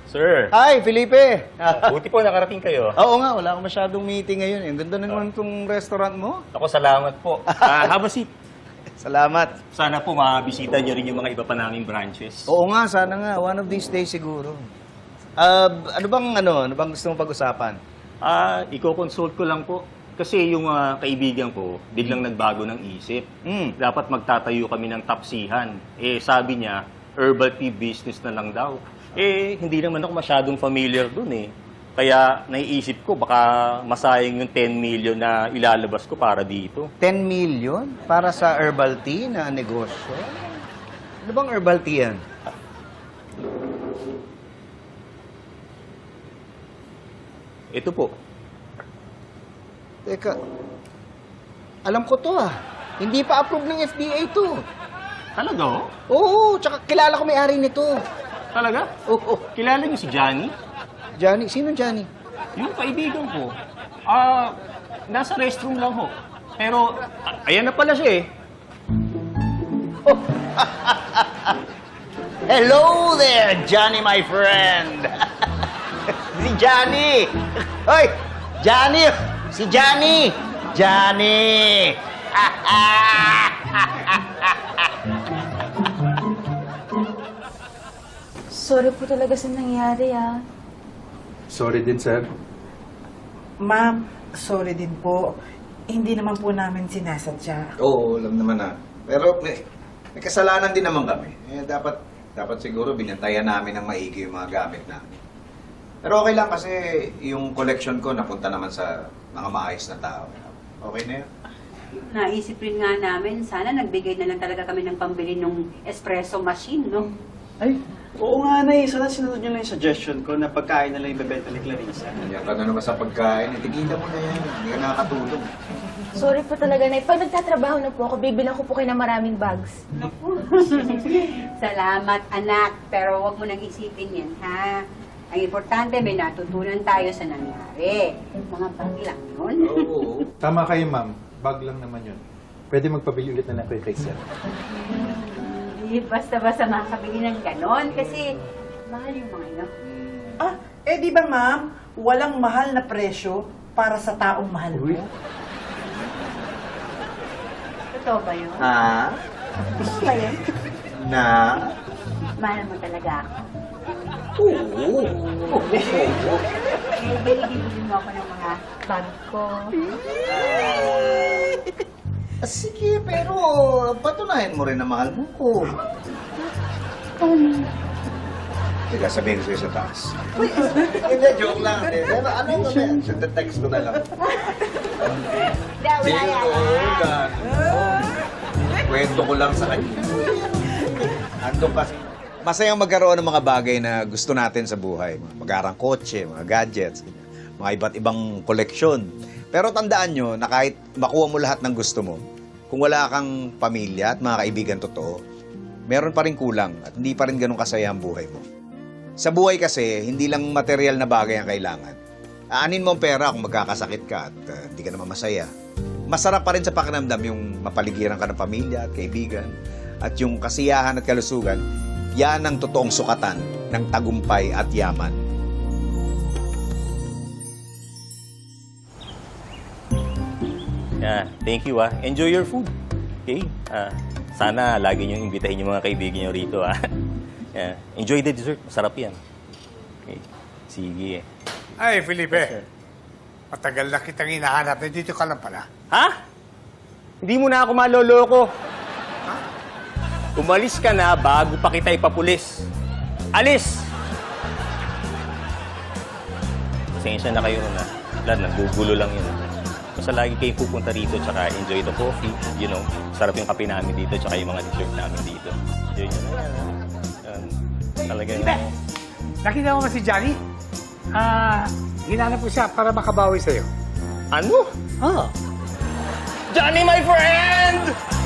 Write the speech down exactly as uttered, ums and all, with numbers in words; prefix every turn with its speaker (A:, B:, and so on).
A: Sir,
B: Hi, Felipe!
A: buti po nakarating kayo.
B: Oo nga, wala akong masyadong meeting ngayon. Ang ganda naman itong restaurant mo.
A: Ako, salamat po. Ah, have a seat.
B: Salamat.
A: Sana po makabisita niyo rin yung mga iba pa naming branches.
B: Oo nga, sana nga. One of these days siguro. Ah, ano bang ano, ano bang gusto mong pag-usapan?
A: Ah, i-consult ko lang po. Kasi yung mga kaibigan ko, biglang nagbago ng isip.
B: Hmm.
A: Dapat magtatayo kami ng tapsihan. Eh, sabi niya, herbal tea business na lang daw. Eh, hindi naman ako masyadong familiar dun eh. Kaya naiisip ko, baka masayang yung ten million na ilalabas ko para dito.
B: ten million para sa herbal tea na negosyo? Ano bang herbal tea yan?
A: Ito po.
B: Teka, alam ko to ah. Hindi pa approve ng F D A to.
A: Talaga oh?
B: Oo, tsaka kilala ko may-ari nito.
A: Talaga?
B: Oo,
A: Kilala niyo si Johnny?
B: Johnny, sino Johnny?
A: Yung kaibigan ko. Ah, nasa restroom lang ho. Pero, a- ayan na pala siya eh.
B: Hello there, Johnny, my friend. Si Johnny. Hoy, Johnny. Si Johnny. Johnny.
C: Sorry po talaga sa nangyari, ah.
D: Sorry din, sir.
E: Ma'am, sorry din po. Hindi naman po namin sinasadya.
F: Oo, alam naman na. Pero may, may kasalanan din naman kami. Eh, dapat, dapat siguro binantayan namin ng maigi yung mga gamit namin. Pero okay lang kasi yung collection ko napunta naman sa mga maayos na tao. Okay na yun.
G: Naisip rin nga namin, sana nagbigay na lang talaga kami ng pambili ng espresso machine, no?
H: Ay, oo nga na eh. Sana sinunod nyo lang yung suggestion ko na pagkain na lang yung bebenta ni Clarissa.
F: Nandiyan ka na naman sa pagkain. Eh, tigilan mo na yan. Hindi ka nakakatulong.
C: Sorry po talaga, Nay. Pag nagtatrabaho na po ako, bibilang ko po kayo ng maraming bags.
G: Salamat, anak. Pero wag mo nang isipin yan, ha? Ang importante, may natutunan tayo sa nangyari. Mga bag lang yun.
F: Oo.
D: Tama kayo, ma'am. Bag lang naman yun. Pwede magpabili ulit na lang kayo kay sir.
G: Hindi basta-basta makakabili ng ganon kasi mahal yung mga ino.
E: Ah, eh di ba ma'am, walang mahal na presyo para sa taong mahal mo?
D: Uy.
G: Totoo ba yun?
F: Ha?
G: Totoo ba yun?
F: Na?
G: Mahal mo talaga ako.
F: Oo.
G: Eh, bili-bili mo ako ng mga bag ko.
B: Ah, sige, pero patunayan mo rin na mahal mo ko.
F: Teka, sabihin ko sa'yo sa taas.
B: Hindi, joke lang. Eh, pero ano mo na yan? Sa text ko na lang.
G: Hindi, wala yan.
F: Tinutugan. Kwento ko lang sa kanya. Andun kasi. Masayang magkaroon ng mga bagay na gusto natin sa buhay. Mga magarang kotse, mga gadgets, mga iba't ibang koleksyon. Pero tandaan nyo na kahit makuha mo lahat ng gusto mo, kung wala kang pamilya at mga kaibigan totoo, meron pa rin kulang at hindi pa rin ganun kasaya ang buhay mo. Sa buhay kasi, hindi lang material na bagay ang kailangan. Aanin mo ang pera kung magkakasakit ka at uh, hindi ka naman masaya. Masarap pa rin sa pakiramdam yung mapaligiran ka ng pamilya at kaibigan at yung kasiyahan at kalusugan, yan ang totoong sukatan ng tagumpay at yaman.
A: Yeah, thank you ah. Enjoy your food. Okay? Ah, sana lagi niyong imbitahin yung mga kaibigan niyo rito ah. Yeah. Enjoy the dessert. Masarap yan. Okay. Sige.
I: Ay, Felipe. Matagal na kitang hinahanap. Dito ka lang pala.
A: Ha? Hindi mo na ako maloloko. Umalis ka na bago pa kita ipapulis. Alis! Pasensya na kayo na. Wala, nagugulo lang yun. Basta lagi kayo pupunta rito tsaka enjoy the coffee. You know, sarap yung kape namin dito tsaka yung mga dessert namin dito. Enjoy nyo na yan. Yan. Talaga
I: Felipe, nakita mo ba si Johnny? Ah, hinanap ko siya para makabawi sa'yo.
A: Ano?
I: Oh.
A: Johnny, my friend!